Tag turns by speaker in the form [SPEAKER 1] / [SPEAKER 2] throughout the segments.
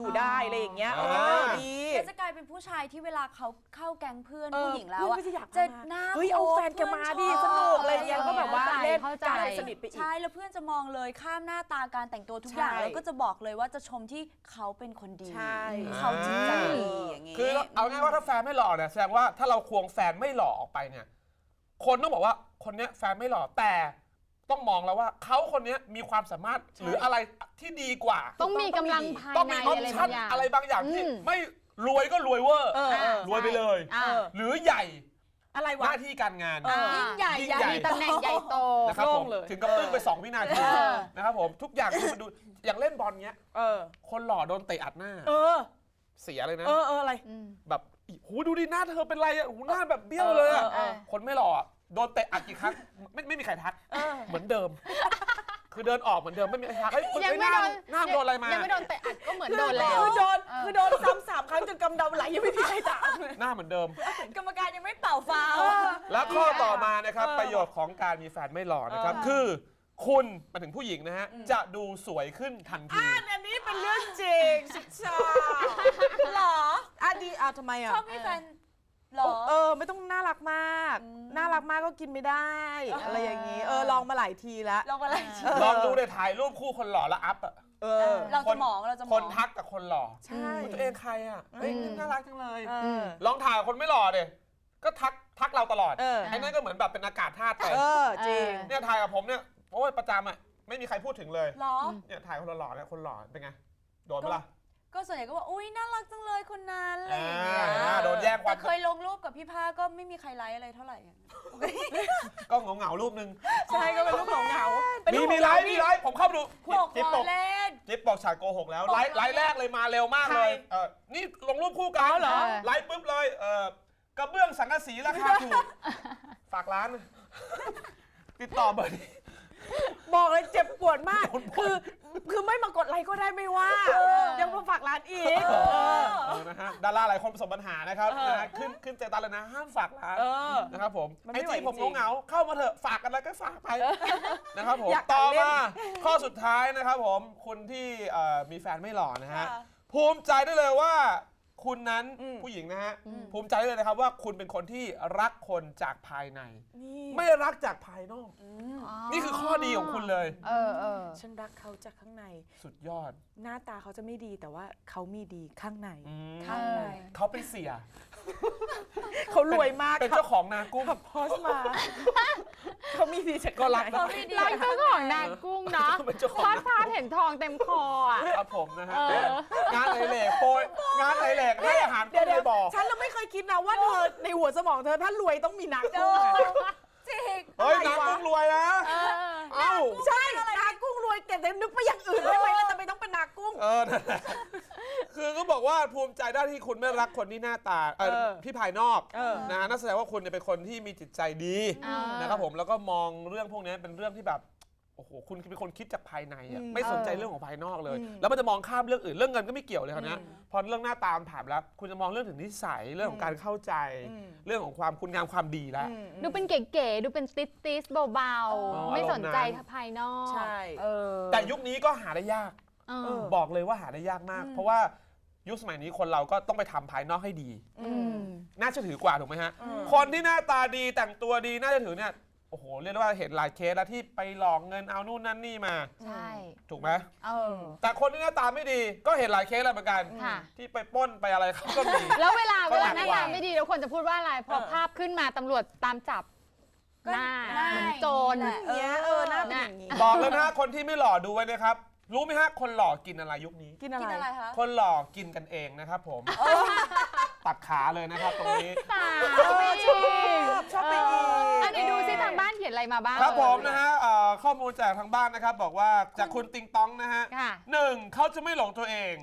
[SPEAKER 1] อยู่ได้อะไรอย่างเงี้ยดี
[SPEAKER 2] จะกลายเป็นผู้ชายที่เวลาเขาเข้าแก๊งเพื่อนผู้หญิงแล้ว
[SPEAKER 1] จะ
[SPEAKER 2] หน้า
[SPEAKER 1] เฮ้ยเอาแฟนแกมาดิสนุกอะไรอย่างเงี้ยก็แบบว่าเล่นกันสนิทไปอีก
[SPEAKER 2] ใช่แล้วเพื่อนจะมองเลยข้ามหน้าตาการแต่งตัวทุกอย่างแล้วก็จะบอกเลยว่าจะชมที่เขาเป็นคนดีเขาจริงใจดีอย่างงี้
[SPEAKER 3] คือเอาง่ายว่าถ้าแฟนไม่หล่อเนี่ยแสดงว่าถ้าเราควงแฟนไม่หล่อออกไปเนี่ยคนต้องบอกว่าคนนี้แฟนไม่หล่อแต่ต้องมองแล้วว่าเขาคนนี้มีความสามารถหรืออะไรที่ดีกว่า
[SPEAKER 4] ต้องมีกำลังภายใน
[SPEAKER 3] อะไรบางอย่างที่ไม่รวยก็รวยเวอร์รวยไปเลยหรือใหญ่
[SPEAKER 1] อะไรวะ
[SPEAKER 3] หน้าที่การงาน
[SPEAKER 2] ยิ่งใหญ่
[SPEAKER 4] มีตำแหน่งใหญ่โต
[SPEAKER 3] นะครับผมถึงกับตึ้งไป2 วินาทีนะครับผมทุกอย่างคือมันดูอย่างเล่นบอลเงี้ยคนหล่อโดนเตะอัดหน้าเสียเลยนะ
[SPEAKER 1] อะไร
[SPEAKER 3] แบบหูดูดิหน้าเธอเป็นไรอ่ะหูหน้าแบบเบี้ยวเลยอ่ะคนไม่หล่อโดนเตะอัดกี่ครั้งไม่มีใครทักเหมือนเดิมคือเดินออกเหมือนเดิมไม่มีใครทัก
[SPEAKER 4] ยังไม่โดน
[SPEAKER 3] หน้าโดนอะไรมา
[SPEAKER 4] ยังไม่โดนเตะอัดก็เหมือนโดนแล้ว
[SPEAKER 1] คือโดนซ้ำ3 ครั้งจนกำเดาไหลยังไม่มีใครถาม
[SPEAKER 3] หน้าเหมือนเดิม
[SPEAKER 2] กรรมการยังไม่เป่าฟาว
[SPEAKER 3] แล้วข้อต่อมานะครับประโยชน์ของการมีแฟนไม่หล่อนะครับคือคุณมาถึงผู้หญิงนะฮะจะดูสวยขึ้นทันที
[SPEAKER 1] อันนี้เป็นเรื่องจริงชิชาหรอดีทำไมอ่ะ
[SPEAKER 2] ชอบมีแฟนหรอ
[SPEAKER 1] ไม่ต้องน่ารักมากน่ารักมากก็กินไม่ได้อะไรอย่างนี้ลองมาหลายทีแล้ว
[SPEAKER 3] ลองดูเลยถ่ายรูปคู่คนหล่อแล้วอัพอ่ะ
[SPEAKER 2] เราจะมอง
[SPEAKER 3] คนทักกับคนหล่อ
[SPEAKER 1] ใช่
[SPEAKER 3] ตัวเองใครอ่ะเฮ้ยน่ารักจังเลยลองถ่ายคนไม่หล่อเดยก็ทักเราตลอดไอ้นั่นก็เหมือนแบบเป็นอากาศธาตุไป
[SPEAKER 1] จริง
[SPEAKER 3] เนี่ยถ่ายกับผมเนี่ยโอ้ยประจำอ่ะไม่มีใครพูดถึงเลย
[SPEAKER 2] หรอ
[SPEAKER 3] เนี่ยถ่ายคนหล่อเนี่ยคนหล่อเป็นไงโดนไหมล่ะ
[SPEAKER 2] ก็ส่วนใหญ่ก็บอกอุ้ยน่ารักจังเลยคนนั้นอะไรอย่างเงี้ย
[SPEAKER 3] โดนแย่งความ
[SPEAKER 2] แต่เคยลงรูปกับพี่ผ้าก็ไม่มีใครไลค์อะไรเท่าไหร่
[SPEAKER 3] ก็เหงารูปนึง
[SPEAKER 1] ใช่ก็เป็นรูปเหงา
[SPEAKER 3] มีไลค์ผมเข้าไปดู
[SPEAKER 2] จิ๊บบอกเล่น
[SPEAKER 3] จิ๊บบอกฉากโกหกแล้วไลค์แรกเลยมาเร็วมากเลยนี่ลงรูปคู่กัน
[SPEAKER 1] เหรอ
[SPEAKER 3] ไลค์ปุ๊บเลยกระเบื้องสังกะสีราคาถูกฝากร้านติดต่อเบอร์นี้
[SPEAKER 1] บอกเลยเจ็บปวดมากคือไม่มากดไลค์ก็ได้ไม่ว่ายังมาฝากร้านอีก
[SPEAKER 3] นะฮะดาราหลายคนประสบปัญหานะครับขึ้นใจตาเลยนะห้ามฝากร้านนะครับผมไอจีผมเหงาเข้ามาเถอะฝากกันแล้วก็ฝากไปนะครับผมต่อมาข้อสุดท้ายนะครับผมคุณที่มีแฟนไม่หล่อนะฮะภูมิใจได้เลยว่าคุณนั้นผู้หญิงนะฮะภูมิใจเลยนะครับว่าคุณเป็นคนที่รักคนจากภายในไม่รักจากภายนอกนี่คือข้อดีของคุณเลย
[SPEAKER 1] ฉันรักเขาจากข้างใน
[SPEAKER 3] สุดยอด
[SPEAKER 1] หน้าตาเขาจะไม่ดีแต่ว่าเขามีดีข้างใน
[SPEAKER 3] เขาเป็นเสีย
[SPEAKER 1] เขารวยมาก
[SPEAKER 3] เป็นเจ้าของนากุ้ง
[SPEAKER 1] ขับพอสมาเขามีดีจาก
[SPEAKER 3] ก็รัก
[SPEAKER 4] เจ้าของนากุ้งเนาะพอดพาเห็นทองเต็มคออ่ะ
[SPEAKER 3] ครับผมนะฮะงานไหลเหล็กโปยงานไหลเหล็กให้อาหารกุ้งในบ่อ
[SPEAKER 1] ฉันเราไม่เคยคิดนะว่าเธอในหัวสมองเธอถ้ารวยต้องมีนากุ้ง
[SPEAKER 2] จริง
[SPEAKER 3] เฮ้ยนากุ้งรวยนะ
[SPEAKER 1] ใช่นากุ้งรวยแต่นึกไปอย่างอื่นได้ไหมแล้วทำไมต้องเป็นนากุ้ง
[SPEAKER 3] คือก็บอกว่าภูมิใจได้ที่คุณไม่รักคนที่หน้าตาที่ภายนอกนะนั่นแสดงว่าคุณเป็นคนที่มีจิตใจดีนะครับผมแล้วก็มองเรื่องพวกนี้เป็นเรื่องที่แบบโอ้โหคุณเป็นคนคิดจากภายในไม่สนใจเรื่องของภายนอกเลยแล้วมันจะมองข้ามเรื่องอื่นเรื่องเงินก็ไม่เกี่ยวเลยครับนะพอเรื่องหน้าตาผ่านแล้วคุณจะมองเรื่องถึงนิสัยเรื่องของการเข้าใจเรื่องของความคุณงามความดีแล้ว
[SPEAKER 4] ดูเป็นเก๋ๆดูเป็นติสเบาๆไม่สนใจภายนอก
[SPEAKER 1] ใช่
[SPEAKER 3] แต่ยุคนี้ก็หาได้ยากบอกเลยว่าหาได้ยากมากเพราะว่ายุคสมัยนี้คนเราก็ต้องไปทำภายนอกให้ดีน่าเชื่อถือกว่าถูกไหมฮะคนที่หน้าตาดีแต่งตัวดีน่าเชื่อถือเนี่ยโอ้โหเรียกว่าเห็นหลายเคสแล้วที่ไปหลอกเงินเอานู่นนั่นนี่มา
[SPEAKER 4] ใช่
[SPEAKER 3] ถูกไหมแต่คนที่หน้าตาไม่ดีก็เห็นหลายเคสแล้วเหมือนกันที่ไปปล้นไปอะไรเขาก็มี
[SPEAKER 4] แล้วเวลาหน้าตาไม่ดีแล้วคนจะพูดว่าอะไรพอภาพขึ้นมาตำรวจตามจับหน้าเหมือนโจร
[SPEAKER 1] อย่างเงี้ยหน้าเป็นอย่างนี้
[SPEAKER 3] บอกเลยนะคนที่ไม่หล่อดูไว้นะครับรู้ไหมฮะคนหล่อกินอะไรยุคนี้
[SPEAKER 1] กินอะไร
[SPEAKER 2] คะ
[SPEAKER 3] คนหล่อกินกันเองนะครับผมตัดขาเลยนะครับตรงนี้
[SPEAKER 1] ชอบไปอีก
[SPEAKER 4] อันนี้ดูซิทางบ้านเขียนอะไรมาบ้าง
[SPEAKER 3] ครับผมนะฮะข้อมูลจากทางบ้านนะครับบอกว่าจากคุณติงตองนะฮะ1เขาจะไม่หลงตัวเอง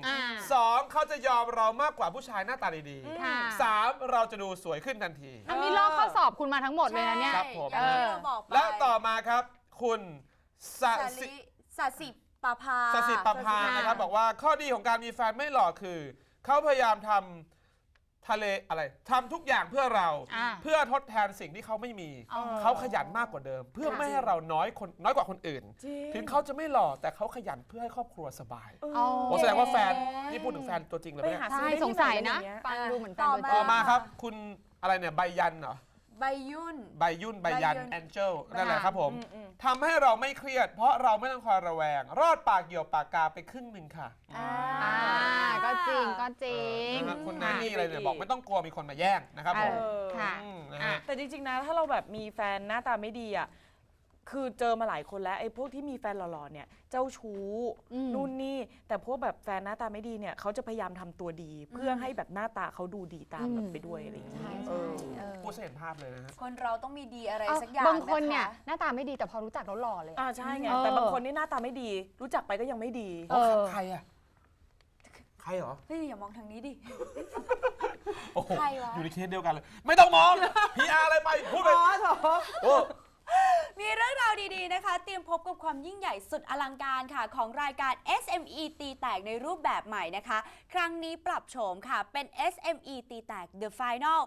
[SPEAKER 3] 2เขาจะยอมเรามากกว่าผู้ชายหน้าตาดีๆ3เราจะดูสวยขึ้นทันที
[SPEAKER 4] อันนี้ลอกข้อสอบคุณมาทั้งหมดเลยนะเนี่ย
[SPEAKER 3] ครับผมและต่อมาครับคุณ
[SPEAKER 2] สสิปภา
[SPEAKER 3] นะครับบอกว่าข้อดีของการมีแฟนไม่หล่อคือเขาพยายามททะเลอะไรทำทุกอย่างเพื่อเรา
[SPEAKER 4] อ่า
[SPEAKER 3] เพื่อทดแทนสิ่งที่เขาไม่มี
[SPEAKER 4] อ๋อ
[SPEAKER 3] เขาขยันมากกว่าเดิม เพื่อไม่ให้เราน้อยกว่าคนอื่น
[SPEAKER 1] จริง
[SPEAKER 3] ถึงเขาจะไม่หล่อแต่เขาขยันเพื่อให้ครอบครัวสบาย
[SPEAKER 4] อ๋อ
[SPEAKER 3] โอ้แสดงว่าแฟนนี่พูดถึงแฟนตัวจริงเลยไหม
[SPEAKER 1] ไป
[SPEAKER 3] เนี่ย
[SPEAKER 1] หา
[SPEAKER 4] ใช่สงสัยนะฟังดูเหมือนแฟนตัวจ
[SPEAKER 3] ต่
[SPEAKER 4] ริ
[SPEAKER 3] อง มาครับ คุณอะไรเนี่ยใบยันเหรอ
[SPEAKER 2] ใบยุ่น
[SPEAKER 3] ใบยุ่นใบยัน
[SPEAKER 2] ใบยุ่น
[SPEAKER 3] แองเจิลนั่นแหละครับผม
[SPEAKER 1] อืม
[SPEAKER 3] ทำให้เราไม่เครียด เพราะเราไม่ต้องคอยระแวง รอดปากเหี่ยวปากกาไปครึ่งหนึ่งค่ะ
[SPEAKER 4] อ่าก็จริงก็จริง
[SPEAKER 3] นะครับคุณแนนนี่อะไรเนี่ยบอกไม่ต้องกลัวมีคนมาแย่งนะครับผม
[SPEAKER 4] ค่ะ
[SPEAKER 3] นะฮะ
[SPEAKER 1] แต่จริงๆนะถ้าเราแบบมีแฟนหน้าตาไม่ดีอ่ะคือเจอมาหลายคนแล้วไอ้พวกที่มีแฟนหล่อๆเนี่ยเจ้าชู้
[SPEAKER 4] อืม
[SPEAKER 1] นู่นนี่แต่พวกแบบแฟนหน้าตาไม่ดีเนี่ยเขาจะพยายามทำตัวดี เพื่อให้แบบหน้าตาเขาดูดีตามแบบไปด้วยอะไรอย่างเงี้ย
[SPEAKER 4] ใช่
[SPEAKER 1] เอ
[SPEAKER 4] ใช่
[SPEAKER 1] อ
[SPEAKER 3] พูดเห็นภาพเลยนะฮะ
[SPEAKER 2] คนเราต้องมีดีอะไร
[SPEAKER 4] เอา
[SPEAKER 2] สักอย่าง
[SPEAKER 4] บางคนเนี่ย
[SPEAKER 2] ะะ
[SPEAKER 4] หน้าตาไม่ดีแต่พอรู้จักแล้วหล่อเลยอะ
[SPEAKER 1] ใช่ไง
[SPEAKER 4] เออ
[SPEAKER 1] แต่บางคนนี่หน้าตาไม่ดี รู้จักไปก็ยังไม่ดี
[SPEAKER 4] เออ
[SPEAKER 3] ใครอ่ะ ใครเหรอ
[SPEAKER 2] เฮ้ยอย่ามองทางนี้ดิ
[SPEAKER 3] โอ้โห
[SPEAKER 2] ใครวะ
[SPEAKER 3] อยู่ในเคสเดียวกันเลย ไม่ต้องมอง PR อะไรไป พูดไปโอ้
[SPEAKER 2] มีเรื่องราวดีๆนะคะ เตรียมพบกับความยิ่งใหญ่สุดอลังการค่ะ ของรายการ SME ตีแตกในรูปแบบใหม่นะคะ ครั้งนี้ปรับโฉมค่ะ เป็น SME ตีแตก The Final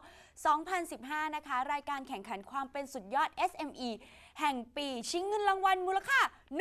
[SPEAKER 2] 2015 นะคะ รายการแข่งขันความเป็นสุดยอด SME แห่งปี ชิงเงินรางวัลมูลค่า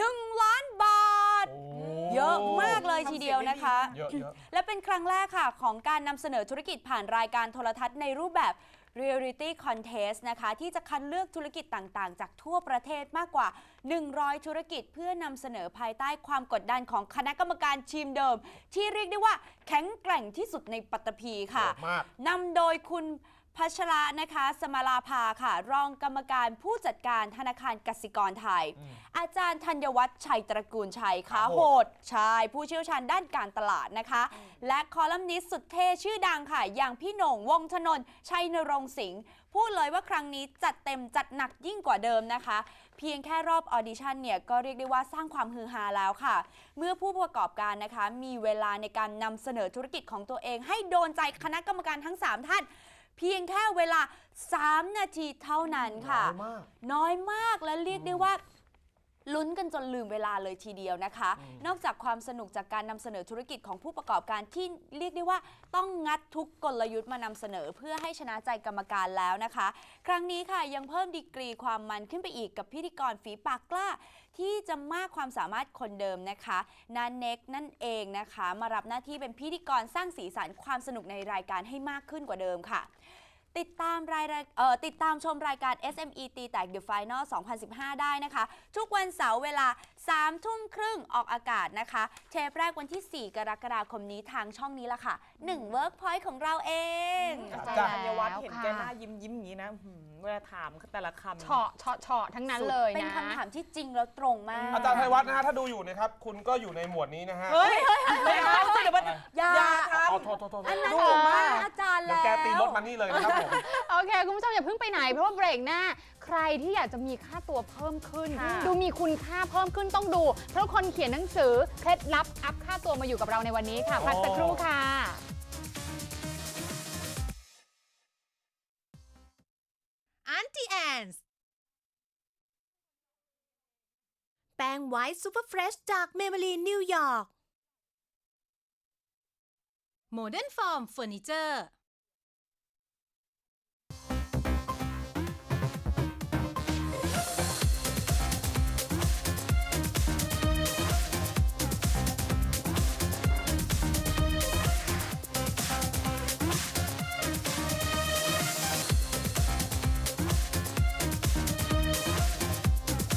[SPEAKER 2] 1 ล้านบาท เยอะมากเลยทีเดียวนะคะ
[SPEAKER 3] เยอะเยอะ
[SPEAKER 2] และเป็นครั้งแรกค่ะ ของการนำเสนอธุรกิจผ่านรายการโทรทัศน์ในรูปแบบ Reality Contest นะคะ ที่จะคัดเลือกธุรกิจต่างๆ จากทั่วประเทศมากกว่า 100 ธุรกิจเพื่อนำเสนอภายใต้ความกดดันของคณะกรรมการทีมเดิม ที่เรียกได้ว่าแข็งแกร่งที่สุดในปัตตภีค่ะ
[SPEAKER 3] มาก
[SPEAKER 2] นำโดยคุณพัชระนะคะ สมาลาภาค่ะ รองกรรมการผู้จัดการธนาคารกสิกรไทย อาจารย์ธัญวัฒน์ชัยตระกูลชัยค่ะโหดชายผู้เชี่ยวชาญด้านการตลาดนะคะ และคอลัมนิสต์สุดเท่ชื่อดังค่ะ อย่างพี่โหน่งวงศ์ธนนท์ชัยนรงค์สิงห์พูดเลยว่าครั้งนี้จัดเต็มจัดหนักยิ่งกว่าเดิมนะคะ เพียงแค่รอบออดิชั่นเนี่ยก็เรียกได้ว่าสร้างความฮือฮาแล้วค่ะ เมื่อผู้ประกอบการนะคะ มีเวลาในการนำเสนอธุรกิจของตัวเอง ให้โดนใจคณะกรรมการทั้ง 3 ท่าน เพียงแค่เวลา 3 นาทีเท่านั้นค่ะ น้อยมากและเรียกได้ว่าลุ้นกันจนลืมเวลาเลยทีเดียวนะคะ นอกจากความสนุกจากการนำเสนอธุรกิจของผู้ประกอบการที่เรียกได้ว่าต้องงัดทุกกลยุทธ์มานำเสนอเพื่อให้ชนะใจกรรมการแล้วนะคะ ครั้งนี้ค่ะยังเพิ่มดีกรีความมันขึ้นไปอีกกับพิธีกรฝีปากกล้า ที่จะมากความสามารถคนเดิมนะคะนันเน็กนั่นเองนะคะ มารับหน้าที่เป็นพิธีกรสร้างสีสันความสนุกในรายการให้มากขึ้นกว่าเดิมค่ะ ติดตามชมรายการ SME ตีแตก The Final 2015 ได้นะคะ ทุกวันเสาร์เวลา 3 ทุ่มครึ่งออกอากาศนะคะ เทปแรกวันที่ 4 กรกฎาคมนี้ทางช่องนี้ละค่ะ 1 Workpoint ของเราเอง
[SPEAKER 1] อาจารย์ธัญวัฒน์เห็นแกหน้ายิ้มอย่างนี้นะเวลาถามแต่ละคำ
[SPEAKER 4] เฉาะทั้งนั้นเลย
[SPEAKER 2] เป็น
[SPEAKER 4] นะ
[SPEAKER 2] คำถามที่จริงแล้วตรงมาก
[SPEAKER 3] อาจารย์ไทยวัฒน์นะฮะ ถ้าดูอยู่นะครับ คุณก็อยู่ในหมวดนี้นะฮะ
[SPEAKER 1] เฮ้ยไม่เอาสิเดี๋ยวมัน
[SPEAKER 2] อย่า
[SPEAKER 1] ครับ
[SPEAKER 3] เอาโทษ
[SPEAKER 2] อันนั้น
[SPEAKER 1] ดู
[SPEAKER 2] ถูก
[SPEAKER 1] มาม
[SPEAKER 2] าก กอาจารย์
[SPEAKER 3] เดี๋ยว
[SPEAKER 2] แล้ว
[SPEAKER 3] แกตีรถมานี่เลยนะครับผม
[SPEAKER 4] โอเค คุณผู้ชมอย่าเพิ่งไปไหน เพราะว่าเบรกหน้า ใครที่อยากจะมีค่าตัวเพิ่มขึ้น
[SPEAKER 1] ค่ะ
[SPEAKER 4] ดูมีคุณค่าเพิ่มขึ้นต้องดู เพราะคนเขียนหนังสือเคล็ดลับอัพค่าตัวมาอยู่กับเราในวันนี้ค่ะ พักสักครู่ค่ะ
[SPEAKER 5] Auntie Anne's แป้งไวท์ซูเปอร์เฟรชจากเมเบลีนนิวยอร์ก Modern Form Furniture